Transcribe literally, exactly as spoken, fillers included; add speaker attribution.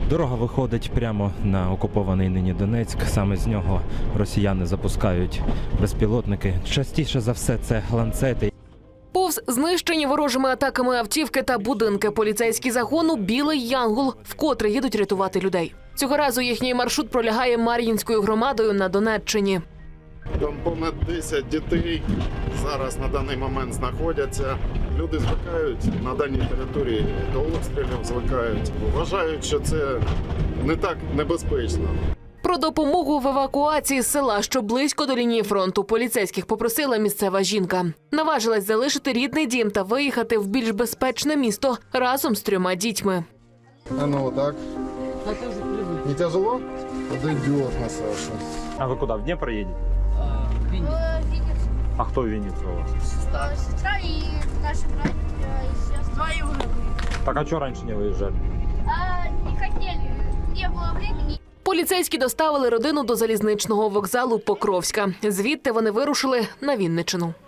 Speaker 1: Дорога виходить прямо на окупований нині Донецьк. Саме з нього росіяни запускають безпілотники. Частіше за все це ланцети.
Speaker 2: Повз знищені ворожими атаками автівки та будинки поліцейські загону «Білий Янгол» вкотре їдуть рятувати людей. Цього разу їхній маршрут пролягає Мар'їнською громадою на Донеччині.
Speaker 3: Там понад десять дітей зараз на даний момент знаходяться. Люди звикають на даній території до обстрілів, звикають. Вважають, що це не так небезпечно.
Speaker 2: Про допомогу в евакуації з села, що близько до лінії фронту, поліцейських попросила місцева жінка. Наважилась залишити рідний дім та виїхати в більш безпечне місто разом з трьома дітьми.
Speaker 3: А ну вот так. Не тяжело? Подойдет на Сашу.
Speaker 4: А вы куда, в Днепр едете?
Speaker 5: А, в Винницу.
Speaker 6: Винницу.
Speaker 4: А кто в Виннице у вас?
Speaker 6: Сестра. Сестра и наши братья и сестры. Двоюродные.
Speaker 4: Так а что раньше не выезжали?
Speaker 6: А, не хотели, не было времени.
Speaker 2: Поліцейські доставили родину до залізничного вокзалу Покровська. Звідти вони вирушили на Вінниччину.